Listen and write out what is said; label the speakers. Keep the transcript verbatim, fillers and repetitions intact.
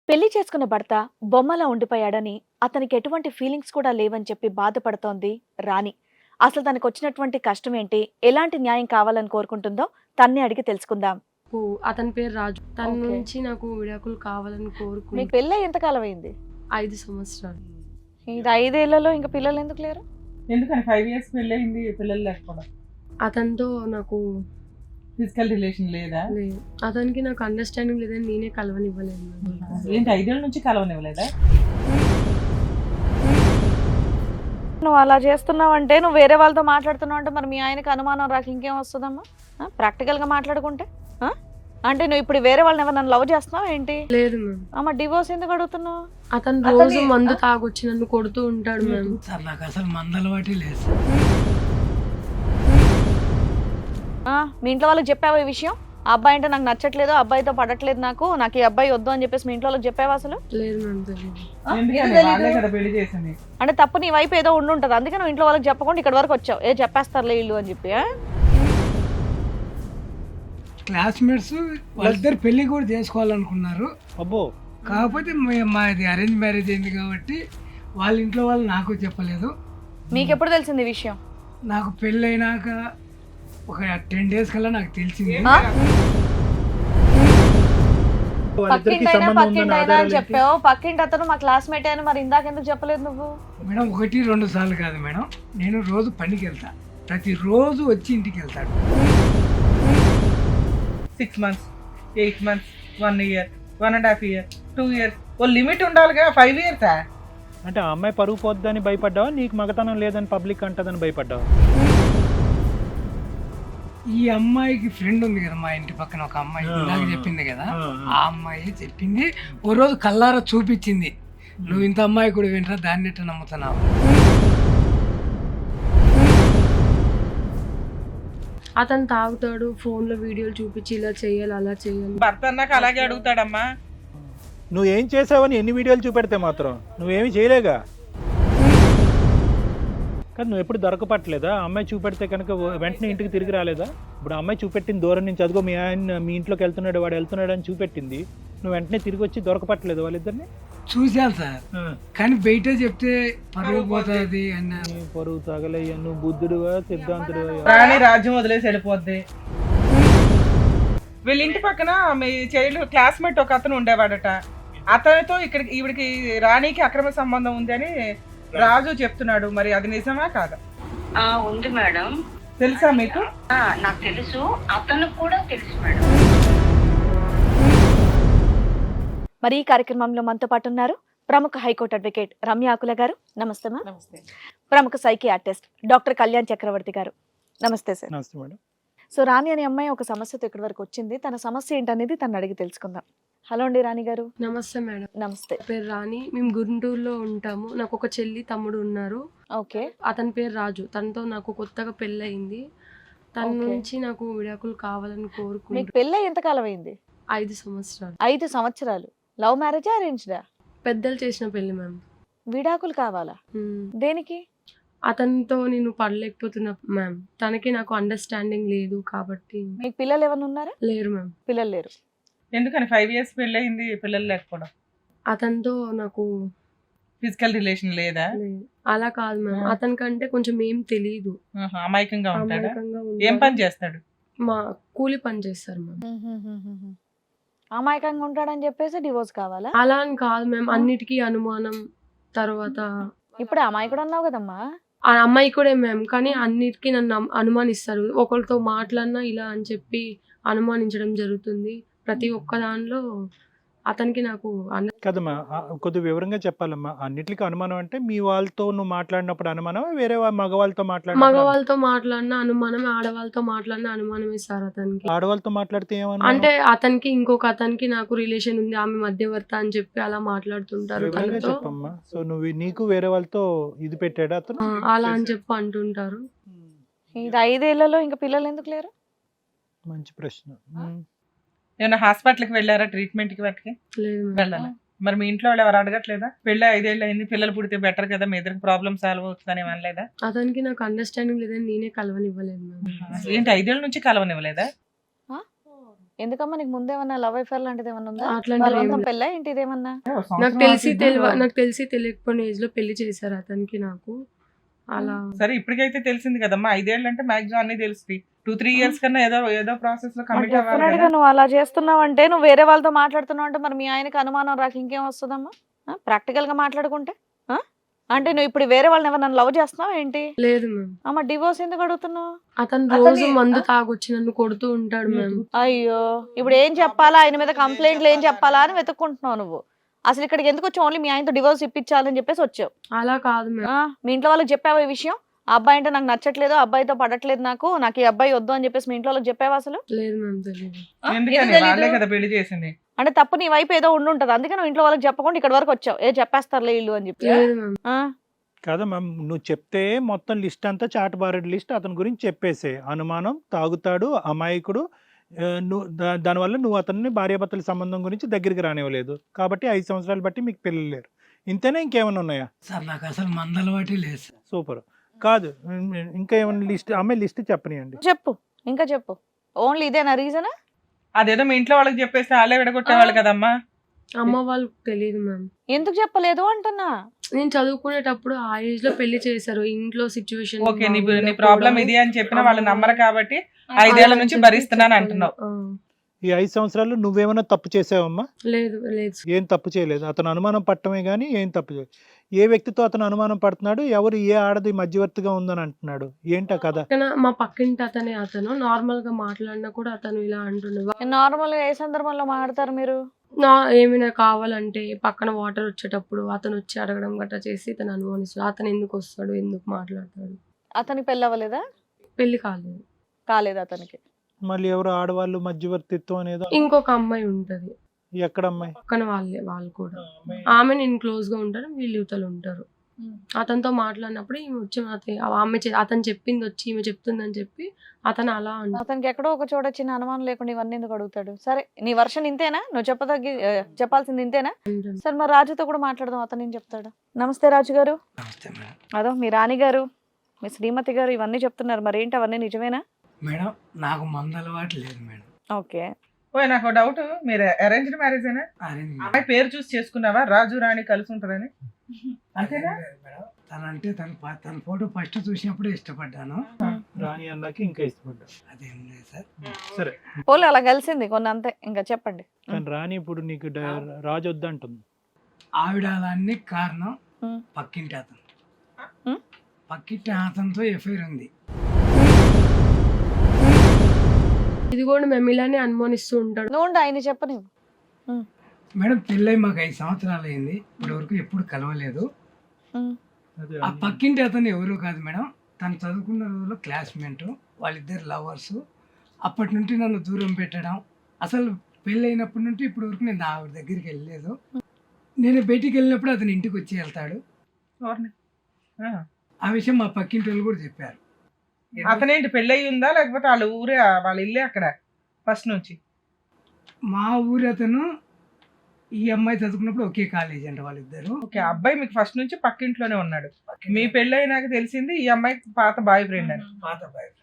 Speaker 1: పెళ్లి చేసుకున్న భర్త బొమ్మలా ఉండిపోయాడని, అతనికి ఎటువంటి ఫీలింగ్స్ కూడా లేవని చెప్పి బాధపడుతోంది రాణి. అసలు తనకు వచ్చినటువంటి కష్టం ఏంటి, ఎలాంటి న్యాయం కావాలని కోరుకుంటుందో తన్నే అడిగి తెలుసుకుందాం.
Speaker 2: ఓ, అతని పేరు రాజు. తన
Speaker 1: ఓకే.
Speaker 2: నుంచి నాకు విడాకులు కావాలని
Speaker 1: మీకు
Speaker 2: కోరుకుంటూ
Speaker 1: పెళ్ళి ఎంతకాలం అయింది?
Speaker 2: ఐదు సంవత్సరాలు.
Speaker 1: ఇది ఐదేళ్లలో ఇంకా పిల్లలు ఎందుకు లేరు?
Speaker 3: ఎందుకని ఫైవ్ ఇయర్స్ పెళ్ళయింది, పిల్లలు లేకపోవడం?
Speaker 2: అతనితో నాకు
Speaker 3: ఫిజికల్ రిలేషన్ లేదా?
Speaker 2: లేదు. అతనికి నాకు అండర్స్టాండింగ్ లేదని నేనే కలవనివ్వలేదు.
Speaker 3: ఏంటి ఐదేళ్ళ నుంచి కలవనివ్వలేదా?
Speaker 1: నువ్వు అలా చేస్తున్నావు అంటే, నువ్వు వేరే వాళ్ళతో మాట్లాడుతున్నావు అంటే మరి మీ ఆయనకి అనుమానం రాక ఇంకేం వస్తుందమ్మా? ప్రాక్టికల్ గా మాట్లాడుకుంటే ఆ? అంటే నువ్వు ఇప్పుడు వేరే వాళ్ళని ఎవరు నన్ను లవ్ చేస్తున్నావు ఏంటి?
Speaker 2: లేదు మ్యామ్.
Speaker 1: అమ్మ డివోర్స్ ఎందుకు అడుగుతున్నావు?
Speaker 2: అతను
Speaker 1: అతని-
Speaker 2: రోజు మందు తాగొచ్చి నన్ను కొడుతూ ఉంటాడు మ్యామ్.
Speaker 4: సార్ నాకు అసలు మందలవాటి లేదు.
Speaker 1: ఆ, మీ ఇంట్లో వాళ్ళకి చెప్పావా ఈ విషయం? ఆ అబ్బాయి అంటే నాకు నచ్చట్లేదు, ఆ అబ్బాయితో పడట్లేదు, నాకు నాకు ఈ అబ్బాయి వద్దు అని చెప్పేసి మీ ఇంట్లో వాళ్ళకి చెప్పావా అసలు?
Speaker 2: లేదు మ్యామ్, తెలియదు.
Speaker 3: ఎందుకని వాళ్ళే కదా పెళ్లి చేసింది.
Speaker 1: అంటే తప్పు నీ వైపు ఏదో ఉండుంటది, అందుకే నువ్వు ఇంట్లో వాళ్ళకి చెప్పకుండా ఇక్కడ వరకు వచ్చావు. ఏ చెప్పేస్తారులే ఇల్లు అని చెప్పి. ఆ?
Speaker 4: క్లాస్మేట్స్ వాళ్ళిద్దరు పెళ్లి కూడా చేసుకోవాలనుకున్నారు.
Speaker 5: అబ్బో
Speaker 4: కాకపోతే మే- మాది అరేంజ్ మ్యారేజ్ అయింది కాబట్టి వాళ్ళ ఇంట్లో వాళ్ళు నాకు చెప్పలేదు.
Speaker 1: మీకు ఎప్పుడు తెలిసింది ఈ విషయం?
Speaker 4: నాకు పెళ్ళి అయినాక ఒక టెన్ డేస్ కల్లా నాకు తెలిసింది.
Speaker 1: ఆ?
Speaker 5: వాళ్ళిద్దరికి
Speaker 1: పక్కింటి అయినా
Speaker 5: సంబంధం
Speaker 1: పక్కింటి
Speaker 5: ఉందని
Speaker 1: అయినా అని
Speaker 5: ఆధారాలు ఏంటి?
Speaker 1: చెప్పావు. పక్కింటి అతను మా క్లాస్మేట్ అని మరి ఇందాక ఎందుకు చెప్పలేదు నువ్వు?
Speaker 4: మేడం ఒకటి రెండు సార్లు కాదు మేడం, నేను రోజు పనికి వెళ్తా, ప్రతిరోజు వచ్చి ఇంటికి వెళ్తాడు.
Speaker 3: Six months eight months one year one and half year two years ఓ లిమిట్ ఉండాలిగా. ఫైవ్ ఇయర్సా?
Speaker 5: అంటే ఆ అమ్మాయి పరుగు పోద్దని భయపడ్డావా, నీకు మగతనం లేదని పబ్లిక్ అంటదని భయపడ్డావా?
Speaker 4: ఈ అమ్మాయికి ఫ్రెండ్ ఉంది కదా మా ఇంటి పక్కన ఒక అమ్మాయి,
Speaker 5: ఆ,
Speaker 4: ఇందాక
Speaker 5: ఆ,
Speaker 4: చెప్పింది కదా,
Speaker 5: ఆ,
Speaker 4: ఆ అమ్మాయి చెప్పింది. ఓ రోజు కల్లారా చూపించింది, నువ్వు ఇంత అమ్మాయి కూడా వింటరా, దాన్ని ఎట్లా నమ్ముతున్నావు?
Speaker 2: అతను తాగుతాడు, ఫోన్ లో వీడియోలు చూపించి ఇలా చేయాలి అలా చేయాలి.
Speaker 3: భర్త అన్నాక అలాగే అడుగుతాడమ్మా.
Speaker 5: నువ్వేం చేసావని ఎన్ని వీడియోలు చూపెడితే మాత్రం నువ్వేమి చేయలేగా. కానీ నువ్వు ఎప్పుడు దొరకపట్టలేదా? అమ్మాయి చూపెడితే కనుక వెంటనే ఇంటికి తిరిగి రాలేదా? ఇప్పుడు ఆ అమ్మాయి చూపెట్టింది దూరం నుంచి, అదిగో మీ ఆయన మీ ఇంట్లోకి వెళ్తున్నాడు, వాడు వెళ్తున్నాడు అని చూపెట్టింది, నువ్వు వెంటనే తిరిగి వచ్చి దొరకపట్టలేదు వాళ్ళిద్దరిని?
Speaker 4: చూశాను సార్, కానీ బయట చెప్తే పరుగు పోతుంది అన్నారు.
Speaker 5: నీ పరువు తగలయ్యా, నువ్వు బుద్ధుడువా సిద్ధాంతుడువా?
Speaker 3: రాణి రాజ్యం వదిలేసి వెళ్ళిపోద్ది. వీళ్ళ ఇంటి పక్కన మీ చైల్డ్ క్లాస్మేట్ ఒక అతను ఉండేవాడట. అతనితో ఇక్కడ ఈవిడికి రాణికి అక్రమ సంబంధం ఉంది అని రాజు చెప్తున్నాడు. మరి అది నిజమా కాదా?
Speaker 6: ఆ ఉంది మేడం.
Speaker 3: తెలుసా మీకు?
Speaker 6: ఆ, నాకు తెలుసు, అతనికి కూడా తెలుసు మేడం.
Speaker 1: మరి ఈ కార్యక్రమంలో మనతో పాటు ఉన్నారు ప్రముఖ హైకోర్టు అడ్వకేట్ రమ్య ఆకుల గారు. నమస్తే మా.
Speaker 3: నమస్తే.
Speaker 1: ప్రముఖ సైకియాట్రిస్ట్ డాక్టర్ కళ్యాణ్ చక్రవర్తి గారు. నమస్తే సార్.
Speaker 5: నమస్తే మేడం.
Speaker 1: సో రాణి అనే అమ్మాయి ఒక సమస్యతో ఇక్కడి వరకు వచ్చింది. తన సమస్య ఏంటనేది తను అడిగి తెలుసుకుందాం. హలో అండి రాణి గారు.
Speaker 2: నమస్తే మేడం.
Speaker 1: నమస్తే.
Speaker 2: నా పేరు రాణి. మేము గుంటూరులో ఉంటాము. నాకు ఒక చెల్లి తమ్ముడు ఉన్నారు.
Speaker 1: ఓకే.
Speaker 2: అతని పేరు రాజు. తనతో నాకు కొత్తగా పెళ్ళి అయింది. తన
Speaker 1: ఓకే.
Speaker 2: నుంచి నాకు విడాకులు కావాలని
Speaker 1: మీకు
Speaker 2: కోరుకుంటూ
Speaker 1: పెళ్ళి ఎంతకాలం అయింది?
Speaker 2: ఐదు సంవత్సరాలు.
Speaker 1: ఐదు సంవత్సరాలు. లవ్ మ్యారేజా అరేంజ్డా?
Speaker 2: పెద్దలు చేసిన పెళ్లి మ్యామ్.
Speaker 1: విడాకులు కావాలా?
Speaker 2: మ్మ్.
Speaker 1: దేనికి?
Speaker 2: అతనితో నేను పడలేకపోతున్నా మ్యామ్. తనకి నాకు అండర్స్టాండింగ్ లేదు కాబట్టి.
Speaker 1: మీకు పిల్లలు ఏమైనా ఉన్నారా?
Speaker 2: లేరు మ్యామ్.
Speaker 1: పిల్లలు లేరు.
Speaker 3: ఎందుకని ఫైవ్ ఇయర్స్ పెళ్ళయింది, పిల్లలు లేకపోవడం?
Speaker 2: అతనితో నాకు
Speaker 3: ఫిజికల్ రిలేషన్ లేదా?
Speaker 2: లేదు. అలా కాదు మ్యామ్,
Speaker 3: ఆ.
Speaker 2: అతనికంటే కొంచెం ఏం తెలీదు.
Speaker 3: ఆహా, అమాయకంగా ఉంటాడా?
Speaker 2: అమాయకంగా
Speaker 3: ఏం
Speaker 2: ఉంటాడు.
Speaker 3: పని చేస్తాడు?
Speaker 2: మా కూలి పని చేస్తారు మ్యామ్.
Speaker 1: అమాయకంగా ఉంటాడని చెప్పేసి డివోర్స్ కావాలా?
Speaker 2: అలా అని కాదు మ్యామ్, అన్నిటికీ అనుమానం. తర్వాత
Speaker 1: ఇప్పుడు అమాయకుడు అన్నావు కదమ్మా.
Speaker 2: ఆ అమ్మాయి కూడా మ్యామ్, కానీ అన్నిటికీ నన్ను అను- అనుమానిస్తారు. ఒకరితో మాట్లాడినా ఇలా అని చెప్పి అనుమానించడం జరుగుతుంది. ప్రతి ఒక్క దానిలో అతనికి నాకు అన్న
Speaker 5: కదమ్మా, ఆ, కొద్దిగా వివరంగా చెప్పాలమ్మా. అన్నిటికీ అనుమానం అంటే మీ వాళ్ళతో నువ్వు మాట్లాడినప్పుడు అనుమానం, వేరే వా- మగవాళ్ళతో మాట్లాడినప్పుడు
Speaker 2: మగవాళ్ళతో మాట్లాడిన అనుమానం, ఆడవాళ్ళతో మాట్లాడిన అనుమానమే సార్ అతనికి.
Speaker 5: ఆడవాళ్ళతో మాట్లాడితే ఏమన్నా
Speaker 2: అంటే అతనికి ఇంకొక అతనికి నాకు రిలేషన్ ఉంది, ఆమె మధ్యవర్త అని చెప్పి అలా మాట్లాడుతుంటారు
Speaker 5: వివరంగా
Speaker 2: తనతో.
Speaker 5: చెప్పమ్మా. సో నువ్వు నీకు వేరే వాళ్ళతో ఇది పెట్టాడా అతను?
Speaker 2: ఆ, అలా అని చెప్పి అంటుంటారు.
Speaker 1: ఇది ఐదేళ్లలో ఇంకా పిల్లలు ఎందుకు లేరు?
Speaker 5: మంచి ప్రశ్న. ఉమ్.
Speaker 3: ఏమైనా హాస్పిటల్కి వెళ్ళారా ట్రీట్మెంట్కి వాటికి?
Speaker 2: లేదు మ్యామ్.
Speaker 3: వెళ్ళాలి. మరి మీ ఇంట్లో వాళ్ళు ఎవరు అడగట్లేదా? పెళ్ళి ఐదేళ్ళు అయింది, పిల్లలు పుడితే బెటర్ కదా, మీ ఇద్దరికి ప్రాబ్లమ్ సాల్వ్ అవుతుందని అనలేదా?
Speaker 2: అతనికి నాకు అండర్స్టాండింగ్ లేదని నేనే కలవనివ్వలేదు మ్యామ్.
Speaker 3: ఏంటి ఐదేళ్ళ నుంచి కలవనివ్వలేదా?
Speaker 1: ఎందుకమ్మా నీకు ముందేమన్నా లవ్ అఫేర్ లాంటిది ఏమన్నా ఉందా
Speaker 2: అట్లాంటివి ఏం
Speaker 1: వాళ్ళంతా
Speaker 2: లేదు.
Speaker 1: పెళ్ళ ఏంటి ఇదేమన్నా
Speaker 2: నాకు తెలిసి తెలియ నాకు తెలిసి తెలియకపోయిన ఏజ్ లో పెళ్లి చేశారు అతనికి నాకు అలా.
Speaker 3: సరే ఇప్పటికైతే తెలిసింది కదమ్మా, ఐదేళ్ళు అంటే మాక్సిమం అన్ని తెలుస్తుంది. టూ త్రీ ఇయర్స్ కన్నా ఏదో ఏదో ప్రాసెస్ లో కమిట్ అవ్వాలి
Speaker 1: డెఫినెట్ గా
Speaker 3: కదా.
Speaker 1: నువ్వు అలా చేస్తున్నావు అంటే నువ్వు వేరే వాళ్ళతో మాట్లాడుతున్నావు అంటే మరి మీ ఆయనకి అనుమానం రాక ఇంకేం వస్తుందమ్మా ప్రాక్టికల్ గా మాట్లాడుకుంటే ఆ? అంటే నువ్వు ఇప్పుడు వేరే వాళ్ళని ఎవరు నన్ను లవ్ చేస్తున్నావు ఏంటి
Speaker 2: లేదు మ్యామ్.
Speaker 1: అమ్మ డివోర్స్ ఎందుకు అడుగుతున్నావు
Speaker 2: అతను
Speaker 3: అతని-
Speaker 2: రోజు మందు తాగొచ్చి నన్ను కొడుతూ ఉంటాడు మ్యామ్.
Speaker 1: అయ్యో ఇప్పుడు ఏం చెప్పాలా ఆయన మీద కంప్లైంట్లు ఏం చెప్పాలా అని వెతుక్కుంటున్నావు నువ్వు అసలు ఇక్కడికి ఎందుకు వచ్చావు ఓన్లీ మీ ఆయనతో డివోర్స్ ఇప్పించాలని చెప్పేసి వచ్చావు
Speaker 2: అలా కాదు మ్యామ్.
Speaker 1: ఆ, మీ ఇంట్లో వాళ్ళకి చెప్పావా ఈ విషయం ఆ అబ్బాయి అంటే నాకు నచ్చట్లేదు ఆ అబ్బాయితో పడట్లేదు నాకు నాకు ఈ అబ్బాయి వద్దు అని చెప్పేసి మీ ఇంట్లో వాళ్ళకి చెప్పావా అసలు
Speaker 2: లేదు మ్యామ్ తెలియదు.
Speaker 3: ఎందుకని వాళ్ళే కదా పెళ్లి చేసింది.
Speaker 1: అంటే తప్పు నీ వైపు ఏదో ఉండుంటది అందుకే నువ్వు ఇంట్లో వాళ్ళకి చెప్పకుండా ఇక్కడ వరకు వచ్చావు ఏ చెప్పేస్తారులే ఇల్లు అని చెప్పి
Speaker 2: లేదు మ్యామ్.
Speaker 1: ఆ,
Speaker 5: కాదా మ్యామ్, నువ్వు చెప్తే మొత్తం లిస్ట్ అంతా చాటబారెడ్ లిస్ట్ అతని గురించి చెప్పేసే. అనుమానం, తాగుతాడు, అమాయకుడు, ఆ, నువ్వు దా- దానివల్ల నువ్వు అతన్ని భార్యాభర్తల సంబంధం గురించి దగ్గరికి రానివ్వలేదు కాబట్టి ఐదు సంవత్సరాలు బట్టి మీకు పిల్లలు లేరు. ఇంతేనా ఇంకేమైనా ఉన్నాయా?
Speaker 4: సార్ నాకు అసలు మందలవాటి లేదు సార్.
Speaker 5: సూపర్. కాదు ఉమ్, ఇంకా ఏమైనా లిస్ట్ అమ్మాయి లిస్ట్ చెప్పనియండి.
Speaker 1: చెప్పు ఇంకా చెప్పు ఓన్లీ ఇదేనా రీజన్
Speaker 3: అదేదో మీ ఇంట్లో వాళ్ళకి చెప్పేస్తే వాళ్ళే విడగొట్టేవాళ్ళు కదమ్మా.
Speaker 2: అమ్మ వాళ్ళకి తెలియదు మ్యామ్.
Speaker 1: ఎందుకు చెప్పలేదు అంటున్నా
Speaker 2: నేను చదువుకునేటప్పుడు ఆ ఏజ్ లో పెళ్లి చేశారు ఇంట్లో సిచ్యువేషన్.
Speaker 3: ఓకే నీ నీ ప్రాబ్లం ఇది అని చెప్పినా వాళ్ళు నమ్మరు కాబట్టి ఐదేళ్ల నుంచి భరిస్తున్నాను అంటున్నావు.
Speaker 5: ఈ ఐదు సంవత్సరాలు నువ్వేమైనా తప్పు చేసావమ్మా?
Speaker 2: లేదు లేదు.
Speaker 5: ఏం తప్పు చేయలేదు. అతను అనుమానం పట్టమే కానీ ఏం తప్పు చేయలేదు. ఏ వ్యక్తితో అతను అనుమానం పడుతున్నాడు, ఎవరు ఏ ఆడది మధ్యవర్తిగా ఉందని అంటున్నాడు, ఏంటా కదా?
Speaker 2: పక్కన మా పక్కింటి అతనే అతను నార్మల్ గా మాట్లాడినా కూడా అతను ఇలా అంటుండే.
Speaker 1: నార్మల్ గా ఏ సందర్భంలో మాట్లాడతారు మీరు
Speaker 2: నా ఏమైనా కావాలంటే పక్కన వాటర్ వచ్చేటప్పుడు అతను వచ్చి అడగడం గట్రా చేసి తను అనుమానిస్తాడు. అతను ఎందుకు వస్తాడు ఎందుకు మాట్లాడతాడు.
Speaker 1: అతనికి పెళ్ళి అవ్వలేదా
Speaker 2: పెళ్లి కాలేదు.
Speaker 1: కాలేదు అతనికి
Speaker 5: మళ్ళీ ఎవరు ఆడవాళ్ళు మధ్యవర్తిత్వం అనేది
Speaker 2: ఇంకొక అమ్మాయి ఉంటది
Speaker 5: ఎక్కడ అమ్మాయి?
Speaker 2: పక్కన వాళ్ళే వాళ్ళు కూడా. ఆమె నేను క్లోజ్ గా ఉంటారు వీళ్ళు యువతలు ఉంటారు. అతనితో మాట్లాడినప్పుడు ఈమె వచ్చి నాతో- ఆమె చె- అతను చెప్పింది వచ్చి ఈమె చెప్తుందని చెప్పి అతను అలా అంటాడు.
Speaker 1: అతనికి ఎక్కడో ఒక చోట చిన్న అనుమానం లేకుండా ఇవన్నీ ఎందుకు అడుగుతాడు సరే నీ వర్షన్ ఇంతేనా నువ్వు చెప్పదగ్గి ఆ, చెప్పాల్సింది ఇంతేనా సరే మరి రాజుతో కూడా మాట్లాడదాం అతను ఏం చెప్తాడు. నమస్తే రాజు గారు.
Speaker 4: నమస్తే మేడం.
Speaker 1: అదో మీ రాణి గారు మీ శ్రీమతి గారు ఇవన్నీ చెప్తున్నారు మరి ఏంటి అవన్నీ నిజమేనా?
Speaker 4: మేడం నాకు మందలవాటి లేదు మేడం.
Speaker 1: ఓకే
Speaker 3: ఓ నాకు డౌట్, మీరు అరేంజ్డ్ మ్యారేజ్ అయినా
Speaker 4: అరే
Speaker 3: అమ్మాయి పేరు చూసి చేసుకున్నావా రాజు రాణి కలిసి ఉంటుందని? అంతేనా?
Speaker 4: మేడం తనంటే తన ప- తన ఫోటో ఫస్ట్ చూసినప్పుడు ఇష్టపడ్డాను.
Speaker 5: రాణి అన్నాకి ఇంకా ఇష్టపడ్డా.
Speaker 4: అదేం లేదు సార్.
Speaker 5: సరే
Speaker 1: పోలే అలా కలిసింది కొన్ని అంతే ఇంకా చెప్పండి.
Speaker 5: కానీ రాణి ఇప్పుడు నీకు డ- రాజు వద్దంటుంది.
Speaker 4: ఆవిడ అలాన్ని కారణం
Speaker 1: ఉమ్.
Speaker 4: పక్కింటి అతను.
Speaker 1: ఉమ్.
Speaker 4: పక్కింటి అతనితో ఎఫ్ఐఆర్ ఉంది.
Speaker 2: ఇది కూడా మేము ఇలానే అనుమానిస్తూ ఉంటాడు.
Speaker 1: నువ్వు ఉండు, ఆయన చెప్పని
Speaker 4: మేడం పెళ్ళై మాకు ఐదు సంవత్సరాలు అయింది. ఇప్పటి వరకు ఎప్పుడు కలవలేదు.
Speaker 5: అదే
Speaker 4: ఆ పక్కింటి అతను ఎవరు కాదు మేడం, తను చదువుకున్న రోజుల్లో క్లాస్మేట్, వాళ్ళిద్దరు లవర్స్. అప్పటి నుండి నన్ను దూరం పెట్టడం, అసలు పెళ్ళి అయినప్పటి నుండి ఇప్పటి వరకు నేను ఆవిడ దగ్గరికి వెళ్ళలేదు. నేను బయటికి వెళ్ళినప్పుడు అతను ఇంటికి వచ్చి వెళ్తాడు.
Speaker 3: ఎవరిని? ఆ.
Speaker 4: ఆ విషయం మా పక్కింటి వాళ్ళు కూడా చెప్పారు.
Speaker 3: అతనేంటి పెళ్ళయి ఉందా లేకపోతే వాళ్ళ ఊరే వాళ్ళ ఇల్లే అక్కడ ఫస్ట్ నుంచి?
Speaker 4: మా ఊరి అతను ఈ అమ్మాయి చదువుకున్నప్పుడు ఒకే కాలేజ్ అంట వాళ్ళిద్దరు.
Speaker 3: ఓకే, అబ్బాయి మీకు ఫస్ట్ నుంచి పక్కింట్లోనే ఉన్నాడు. మీ పెళ్ళయి నాకు తెలిసింది ఈ అమ్మాయి పాత బాయ్ ఫ్రెండ్ అని.
Speaker 4: పాత బాయ్ ఫ్రెండ్.